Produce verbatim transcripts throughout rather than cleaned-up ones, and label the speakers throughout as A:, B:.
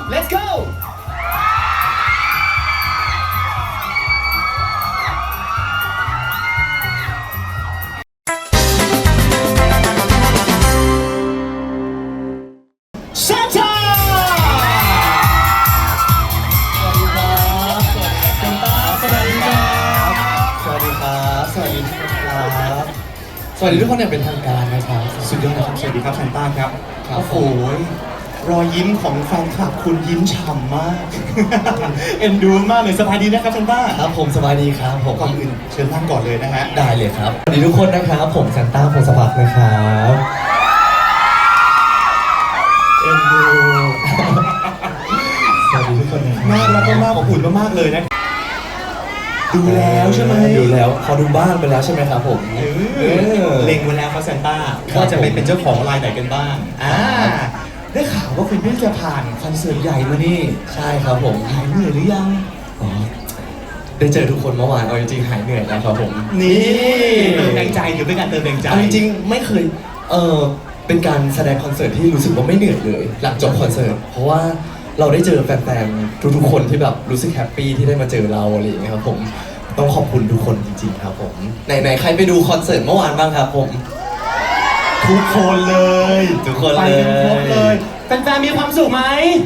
A: let's go
B: สวัสดีทุกคนอย่างเป็นทางการนะครับ
A: สุดยอดนะครับสวัสดีครับแซนต้าครับ
B: ครับ
A: โอ้โหรอยยิ้มของแฟนคลับคุณยิ้มฉ่ำมาก เอ็นดูมากเลยสบายดีนะครับแซนต้า
B: ครับผมสบายดีครับผม
A: ก่อนอื่นเชิญนั่งก่อนเลยนะฮะ
B: ได้เลยครับสวัสดีทุกคนนะครับผมแซนต้าพงศพัฒน์นะครับ
A: เอ็นดู
B: สวัสดีทุกคนนะครับ
A: น่ารักมากอบอุ่นมากๆเลยนะดูแล้วใช่ไหม
B: ดูแล้วพอดูบ้างไปแล้วใช่ไหมครับผม
A: เออเล็งไว้แล้วครับแซนต้า
B: ครับ
A: ว่าจะไปเป็นเจ้าของลายไหนกันบ้างอ่าได้ข่าวว่าคุณเพิ่งจะผ่านคอนเสิร์ตใหญ่มานี่
B: ใช่ครับผม
A: หายเหนื่อยหรือยัง
B: อ๋อได้เจอทุกคนเมื่อวานเอาจริงๆหายเหนื่อยแล้วครับผม
A: นี่เติมแรงใจหรือเป็นการเติมแรงใจ
B: เอาจริงๆไม่เคยเออเป็นการแสดงคอนเสิร์ตที่รู้สึกว่าไม่เหนื่อยเลย หลังจบคอนเสิร์ตเพราะว่าเราได้เจอแฟนๆทุกๆคนที่แบบรู้สึกแฮปปี้ที่ได้มาเจอเราอะไรอย่างเงี้ยครับผมต้องขอบคุณทุกคนจริงๆครับผมไหนๆใครไปดูคอนเสิร์ตเมื่อวานบ้างครับผม
A: ทุกคนเลย
B: ทุกคน
A: ไป
B: เลย
A: กันครบเลยแฟนๆมีความสุขไหม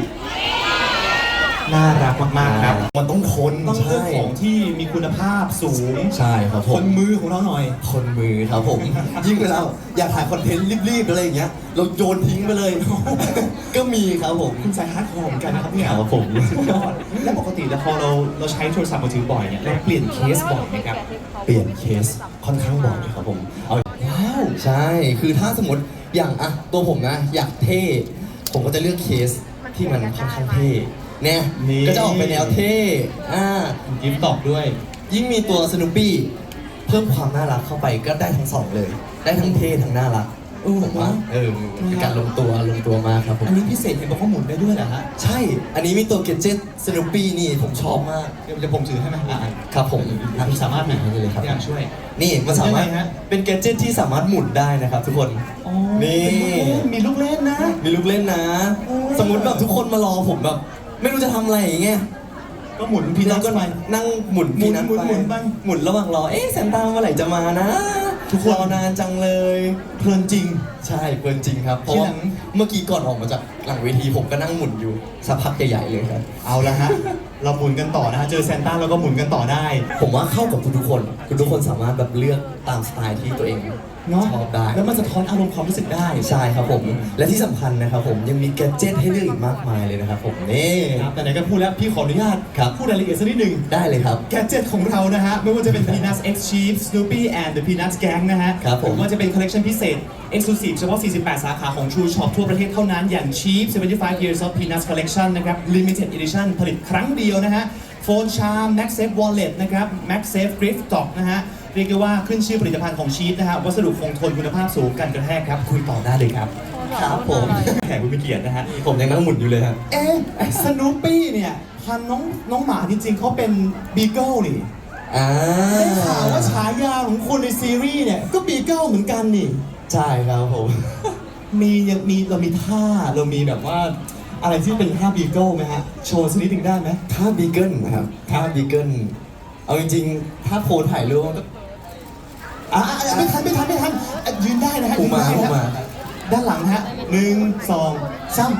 A: น่ารักมากๆครับ
B: มันต้องคน
A: ต้องเลือก
B: ใช่
A: ของที่มีคุณภาพสูง
B: ใช่ครับผ
A: ค
B: ม
A: นมือของเราหน่อย
B: คนมือครับผม ยิ่งเวลาอยากถ่ายคอนเทนต์รีบๆอะไรอย่างเงี้ยเราโยนทิ้งไปเลย ก็มีครับผม
A: คุณสายฮาร์ดคอร์เหมือนกันนะครับเนี่ย
B: ครับผม
A: สุดยอดแล้วปกติแล้วพอเราเราใช้โทรศัพท์มือถือบ่อยเนี่ยเราเปลี่ยนเคสบ่อยไหมครับ
B: เปลี่ยนเคสค่อนข้างบ่อยครับผมเอา
A: ว้าว
B: ใช่ คือถ้าสมมติอย่างอะตัวผมนะ อยากเท่ ผมก็จะเลือกเคสที่มันค่อนข้างเท่ เนี่ย
A: นี่
B: ก็จะออกไปแนวเท่ อ่า
A: ยิ้มตอบด้วย
B: ยิ่งมีตัวสนุปปี้เพิ่มความน่ารักเข้าไปก็ได้ทั้งสองเลย ได้ทั้งเท่ทั้งน่ารัก
A: เออ
B: ผมว่าเออเป็นการลงตัวลงตัวมากครับผม
A: อันนี้พิเศษเห็นบอกว่าหมุนได้ด้วยเหรอฮะ
B: ใช่ อันนี้มีตัวเกจเจ็ตสนุปปี้นี่ผมชอบมาก
A: เดี๋ยวเดี๋ยวผมถือให้ไหมอ่า
B: ครับผม
A: ทำสามารถไหม
B: ให้เลยครับ
A: ที่อยากช่วย
B: นี่มันสามารถ
A: ยังไงฮะ
B: เป็นแกดเจ็ตที่สามารถหมุนได้นะครับทุกคน
A: อ๋อ
B: นี่
A: มีลูกเล่นนะ
B: มีลูกเล่นนะ
A: โอ้
B: สมมติแบบทุกคนมารอผมแบบ ไม่รู้จะทำอะไรอย่างเงี้ย
A: ก็หมุนพี
B: พี่
A: นั
B: น้อ
A: ท
B: งก็
A: ไป
B: นั่งหมุน
A: หมุน
B: พี่นัท
A: หมุนหมุนไป
B: หมุนระหว่างรอ เอ๊ะแซนต้าเมื่อไหร่จะมานะ
A: ทุกคน
B: รอนานจังเลย
A: เพลินจริง
B: ใช่เพลินจริงครับ เพราะ
A: ที่
B: ว่า
A: หลัง
B: เมื่อกี้ก่อนออกมาจากหลังเวทีผมก็นั่งหมุนอยู่สักพักใหญ่ๆเลยครับ
A: เอาละฮะ เราหมุนกันต่อนะฮะ เจอแซนต้าเราก็หมุนกันต่อได้
B: ผมว่าเข้ากับทุกๆคนทุกๆคนสามารถแบบเลือกตามสไตล์ที่ตัวเอง
A: เนาะ
B: ชอบได้
A: แล้วมันสะท้อนอารมณ์ความรู้สึกได้
B: ใช่ครับผม และที่สำคัญนะครับผมยังมีแกดเจ็ตให้เลือกอีกมากมายเลยนะครับผมนี่
A: ครับแต่ไหนก็พูดแล้ว พี่ขออนุญาต
B: ครับ
A: พูดรายละเอียดสักนิดหนึ่ง
B: ได้เลยครับ
A: แกดเจ็ตของเรานะฮะ ไม่ว่าจะเป็น Peanuts X Chief Snoopy and the Peanuts Gang นะฮะ
B: ครับผม
A: หรือว่าจะเป็นคอลเลกชันพิเศษ Exclusive เฉพาะ สี่สิบแปด สาขาของ True Shop ทั่วประเทศเท่านั้น อย่าง Chief เจ็ดสิบห้า Years of Peanuts Collection นะครับ Limited Edition ผลิตครั้งเดียวนะฮะ โฟนชาร์ม MagSafe Wallet นะครับ MagSafe Gift Dock นะฮะ เรียกได้ว่าขึ้นชื่อผลิตภัณฑ์ของชีฟนะฮะ วัสดุคงทนคุณภาพสูงกันกระแทกครับ คุยต่อได้เลยครับ
B: ครับผม
A: แขกผู้มีเกียรตินะฮะ
B: ผมยังนั่งหมุนอยู่เลยครับ
A: เอ๊ะสนูปี้เนี่ยพันน้องน้องหมาจริงๆเขาเป็นบีเกิลนี่
B: อ่า
A: ได้ข่าวว่าฉายาของคนในซีรีส์เนี่ยก็บีเกิลเหมือนกันนี่
B: ใช่ครับผม
A: มียังมีเรามีท่าเรามีแบบว่าอะไรที่เป็นท่าบีเกิลไหมฮะ โชว์สักนิดหนึ่งได้ไหม
B: ถ้าบีเกิลนะครับถ้าบีเกิลเอาจริงๆ ถ้าโพสถ่ายรูปมันก็
A: อ่ะอ่ะอ่ะไม่ทันไม่ทันไม่ทันอ่ะยืนได้นะฮะ
B: อุมา
A: ยืนได้
B: อุมา
A: นะด้านหลังนะฮะหนึ่งสองสาม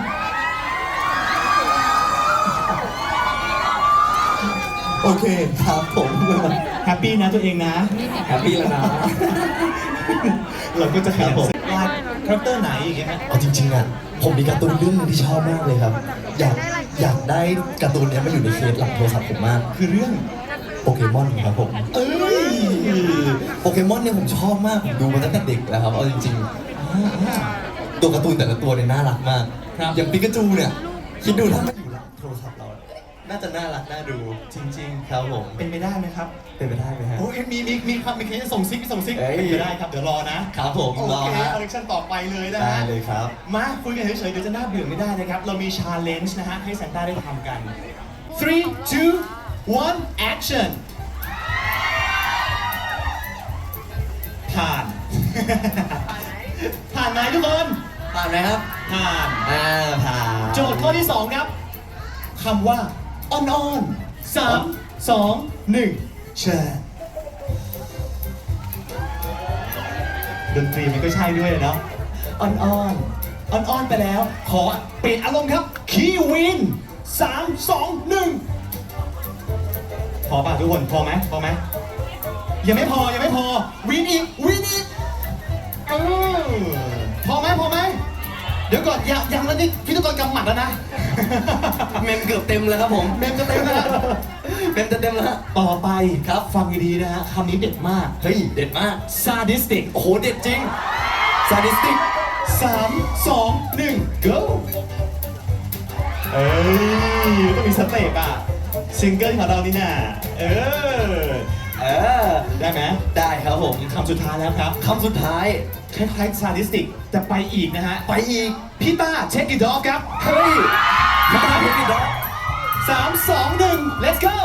A: โอเค
B: ครับผม
A: แฮปปี้นะตัวเองนะ
B: แฮปปี้แล้วนะ
A: เราก็จะขยัน
B: ครับผม
A: วาดคาแรคเตอร์ไหนอย่างเงี้ยฮะ
B: เอาจริงๆอ่ะผมมีการ์ตูนเรื่องหนึงที่ชอบมากเลยครับ อยากอยากได้การ์ตูนเนี้ยมาอยู่ในเคสหลังโทรศัพท์ผมมาก
A: คือเรื่อง
B: โปเกมอนครับผม
A: เอ้ย
B: โปเกมอนเนี่ยผมชอบมากผมดูมาตั้งแต่เด็กแล้วครับเอาจริงๆ ตัวการ์ตูนแต่ละตัวเนี่ยน่ารักมาก
A: ครับ
B: อย่างปิกาจูเนี่ยคิดดูถ้ามันอยู่หลังโทรศัพท์เรา น่าจะน่ารักน่าดู
A: จริง
B: ครับผม
A: ๆ เป็นไปได้ไหมครับ
B: เป็นไปได้ไหมฮะ
A: โอ้ยมีมีมีความมีเคสส่งซิกส่งซิก
B: เอ้ย
A: เป็นไปได้ครับ เดี๋ยวรอนะครับ
B: ผม
A: โอ
B: รอ
A: เค
B: ฮะ
A: คอลเลคชันต่อไปเลยนะ
B: ได้
A: ฮะ
B: เลยครับ
A: มาคุยกันเฉยๆเดี๋ยวจะน่าเบื่อไม่ได้นะครับ เรามีชาเลนจ์นะฮะ ให้แซนต้าได้ทำกัน three two one action ผ่าน ผ่านไหมทุกคน
B: ผ่านไหมครับ
A: ผ่าน
B: อ่าผ่าน
A: โจทย์ข้อที่สองครับคำว่าอ่อนๆสามสองหนึ่งเชิญดนตรีมันก็ใช่ด้วยเนาะอ่อนๆอ่อนๆไปแล้ว ขอเปลี่ยนอารมณ์ครับคีวินสามสองหนึ่งพอป่ะทุกคนพอไหมพอไหมยังไม่พอยังไม่พอวินอีกวินอีกเออพอไหมพอไหมเดี๋ยวก่อนยังยังแล้วนี่พี่ต้องกรกำหมัดแล้วนะ
B: เมมเกือบเต็มแล้วครับผม
A: เมมจะเต็มแล้ว
B: เมมจะเต็มแล้ว
A: ต่อไปครับฟังดีๆนะฮะคำนี้เด็ดมาก
B: เฮ้ยเด็ดมาก
A: sadistic
B: โอ้โหเด็ดจริง sadistic
A: สามสองหนึ่ง go เอ้ยต้องมีสเต็ปอ่ะซิงเกิลของเรานี่น่ะเออ
B: เออ
A: ได้ไหม
B: ได้ครับผม
A: คำสุดท้ายแล้วครับ
B: คำสุดท้าย
A: คล้ายๆ sadistic แต่ไปอีกนะฮะ
B: ไปอีก
A: พี่ต้าเช็คอีดอกครับ
B: เฮ้ยมาทำเพลงอีกแล้ว
A: สามสองหนึ่ง let's go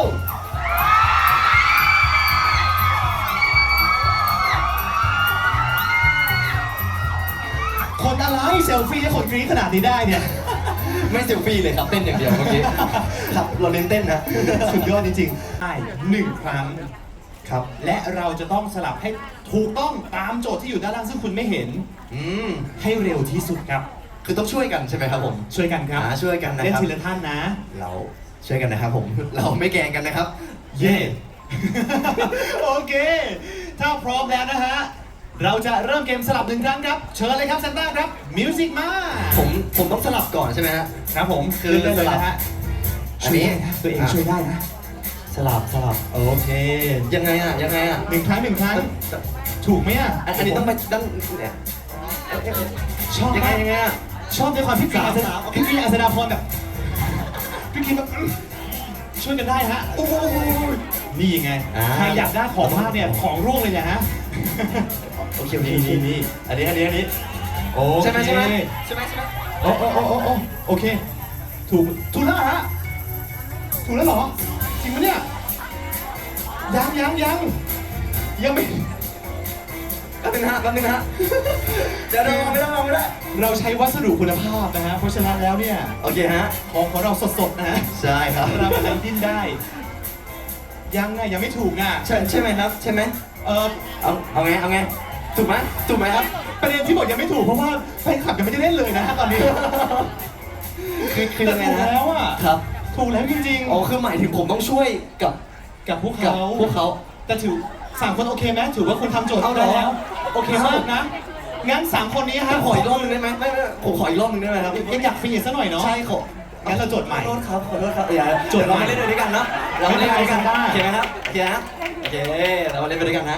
A: คนอะไรเซลฟี่ให้คนกรี๊ดขนาดนี้ได้เนี่ย
B: ไม่เซลฟี่เลยครับเต้นอย่างเดียวเมื่อกี้ ครับเราเน้นเต้นนะ
A: สุดยอดจริงๆใช่หนึ่งครั้งครับ และเราจะต้องสลับให้ถูกต้องตามโจทย์ที่อยู่ด้านล่างซึ่งคุณไม่เห็น
B: อืม
A: ให้เร็วที่สุดครับ
B: คือต้องช่วยกันใช่ไหมครับผม
A: ช่วยกันครับ
B: อ่าช่วยกันนะ
A: เล่น
B: ครับ
A: ทีละท่านนะ
B: เราช่วยกันนะครับผม เราไม่แกล้งกันนะครับ
A: เย่ โอเค ถ้าพร้อมแล้วนะฮะ เราจะเริ่มเกมสลับหนึ่งครั้งครับ เชิญเลยครับซันต้าครับ มิวสิกมา
B: ผมผมต้องสลับก่อนใช่ไหมฮะ
A: ครับผม
B: คือ
A: เลือกได้เลยนะฮะ
B: อันนี้
A: ช่วยได้นะตัวเองช่วยได้นะ
B: สลับสลับ
A: โอเค
B: ยังไงอ่ะยังไงอ่ะ
A: หนึ่งครั้งหนึ่งครั้ง ถูกไหมอ่ะ
B: อันอันนี้ต้องไปด้านเนี่ย
A: ชอบ
B: ยังไง
A: มาก
B: ยังไงอ่ะ
A: ชอบในความพี่กรีนอัศดาพี่กรีนอัศดาพรแบบพี่กรีนแบบอื้อช่วยกันได้ฮะโอ้ยนี่ไง
B: อ่า
A: ใครอยากได้ของมากเนี่ยของร่วงเลยเนี่ยฮะ
B: โอเคโอเค
A: นี่นี่นี่
B: อันนี้อันนี้อันนี้
A: โอเค
B: ใช่ไหมใช่ไหมใช่ไหมใช่ไหม
A: โอ้โอ้โอ้โอ้โอ้โอเค ถูกถูกแล้วเหรอฮะถูกแล้วเหรอจริงปะเนี่ยยังยังยังยังไม่
B: แป๊บนึงนะฮะแป๊บนึงนะฮะเดี๋ยวเดี๋ยวไม่ได้ไม่ได้
A: เราใช้วัสดุคุณภาพนะฮะเพราะฉะนั้นแล้วเนี่ย
B: โอเคฮะ
A: ของของเราสดๆนะฮะ
B: ใช่ครับ
A: เราอะไรดิ้นได้ ยังไงยังไม่ถูกอ่ะ
B: ใช่ใช่ไหมครับใช่ไหม
A: เออ
B: เอาเอาไงเอาไงถูกไหมถูกไหมครับ
A: ประเด็นที่บอกยังไม่ถูกเพราะว่าแฟนคลับยังไม่ได้เล่นเลยนะฮะตอนนี้
B: คือคือ
A: แต่
B: ยังไง
A: ถูก
B: นะ
A: แล้วอ่ะ
B: ครับ
A: ถูกแล้วจริง
B: อ๋อคือหมายถึงผมต้องช่วยกับ
A: ๆกับพวก
B: กับ
A: เขา
B: พวกเขา
A: แต่ถือสามคนโอเคไหมถือว่าคุณทำโจทย์
B: เอาเหร
A: ได้
B: อ
A: แล้ว โอเคมากนะ งั้นสามคนนี้ฮะ
B: ขออีกรอบหนึงได้ไหมไม่ไม่ผมขออีกรอบหนึงได้ไหมครับ
A: ยังอยากฟินิชซะหน่อยเนาะ
B: ใช่ขอ
A: งั้นเราโจทย์ใหม่
B: ขอโทษครับขอโทษครับอย่า
A: โจทย์
B: เรา
A: ใหม่
B: มาเล่นด้วยกันเนาะเรามาเล่นด้วยกัน
A: ไม่เป็นไร
B: โอเคไหมครับโอเคนะโอเคเรามาเล่นไปด้วยกันนะ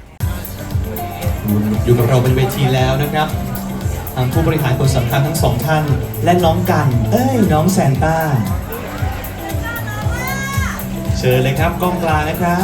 A: อยู่กับเราบนเวทีแล้วนะครับทางผู้บริหารคนสำคัญทั้งสองท่าน และน้องกัน เอ้ย น้องแซนต้า เชิญเลยครับกล้องกลางนะครับ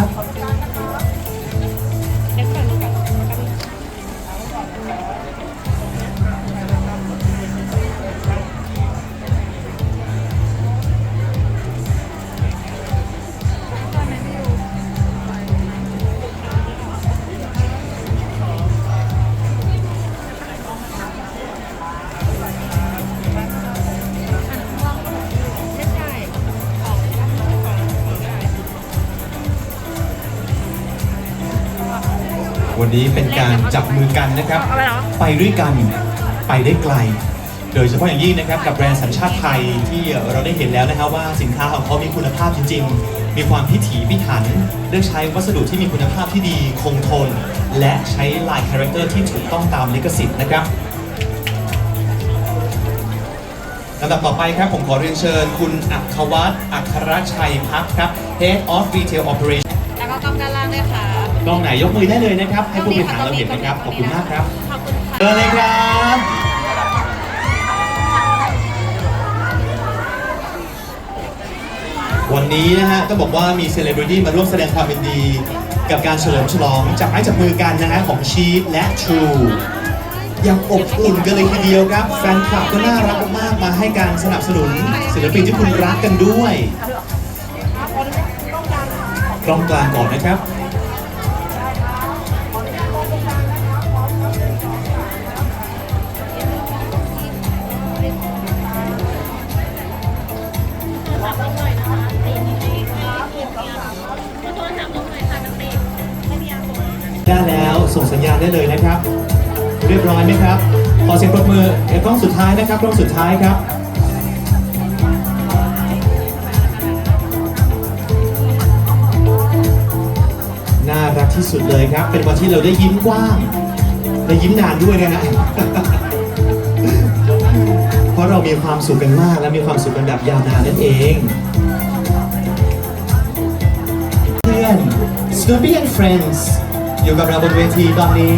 A: วันนี้เป็นการจับมือกันนะครับ ไปด้วยกันไปได้ไกล โดยเฉพาะอย่างยิ่งนะครับกับแบรนด์สัญชาติไทยที่เราได้เห็นแล้วนะครับว่าสินค้าของเขามีคุณภาพจริงๆ มีความพิถีพิถันเลือกใช้วัสดุที่มีคุณภาพที่ดีคงทน และใช้ลายคาแรคเตอร์ที่ถูกต้องตามลิขสิทธิ์นะครับลำดับต่อไปครับผมขอเรียนเชิญคุณอัครวัฒน์อัครชัยพักครับ Head of Retail Operation
C: แล้วก็กล้องด้านล่างด้วยค่ะ
A: กล้องไหนยกมือได้เลยนะครับ ให้ผู้บริหารเราเห็นนะครับ ขอบคุณมากครับ
C: ขอบคุณค่ะ
A: เชิญเลยครับ วันนี้นะฮะต้องบอกว่ามีเซเลบริตี้มาร่วมแสดงความยินดี กับการเฉลิมฉลองจับไม้จับมือกันนะฮะของชีฟและ True ยังอบอุ่นกันเลยทีเดียวครับ แฟนคลับก็น่ารักมากๆมาให้การสนับสนุนศิลปินที่คุณรักกันด้วยกล้องกลางก่อนนะครับส่งสัญญาณได้เลยนะครับ เรียบร้อยไหมครับ ขอเสียงปรบมือเอกกล้องสุดท้ายนะครับกล้องสุดท้ายครับ น่ารักที่สุดเลยครับ เป็นวันที่เราได้ยิ้มกว้างและยิ้มนานด้วยนะฮะ เพราะเรามีความสุขกันมากและมีความสุขกันแบบยาวนานนั่นเอง เพื่อน Snoopy and Friends อยู่กับเราบนเวทีตอนนี้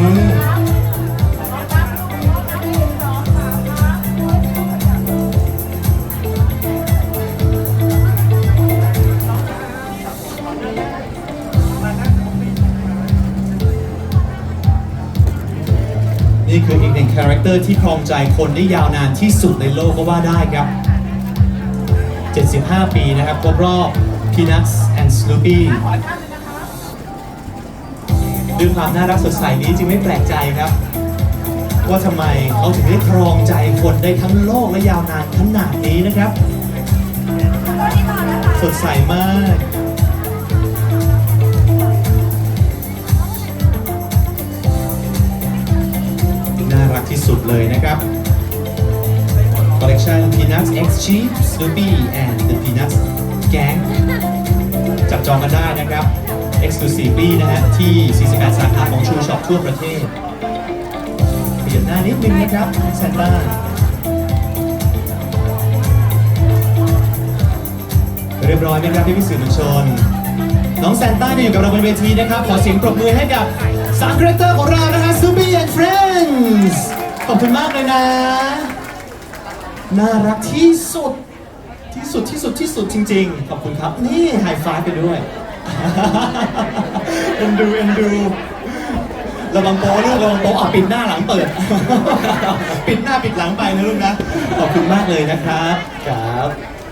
A: นี่คืออีกหนึ่งคาแรคเตอร์ที่ครองใจคนได้ยาวนานที่สุดในโลกก็ว่าได้ครับ เจ็ดสิบห้า ปีนะครับครบรอบ Peanuts and Snoopy ด้วยความน่ารักสดใสนี้จึงไม่แปลกใจครับ ว่าทำไมเขาถึงได้ครองใจคนได้ทั้งโลกและยาวนานขนาดนี้นะครับ สดใสมาก น่ารักที่สุดเลยนะครับ Collection Peanuts X Sheep Snoopy and the Peanuts Gang จับจองกันได้นะครับ Exclusively นะฮะที่ สี่สิบแปด สาขาของ True Shop ทั่วประเทศเปลี่ยนหน้านิดนึงนะครับแซนต้าเรียบร้อยไหมครับพี่พี่สื่อมวลชน น้องแซนต้าจะอยู่กับเราบนเวทีนะครับ ขอเสียงปรบมือให้กับสามคาแรคเตอร์ของเรานะฮะ Snoopy and Friends ขอบคุณมากเลยนะ น่ารักที่สุด ที่สุดที่สุดที่สุดจริงๆ ขอบคุณครับ นี่ไฮไฟว์ไปด้วย เอ็นดูเอ็นดูระวังโป๊ลูกระวังโป๊อ่ะปิดหน้าหลังเปิด ปิดหน้าปิดหลังไปนะลูกนะ ขอบคุณมากเลยนะครับ
B: ครับ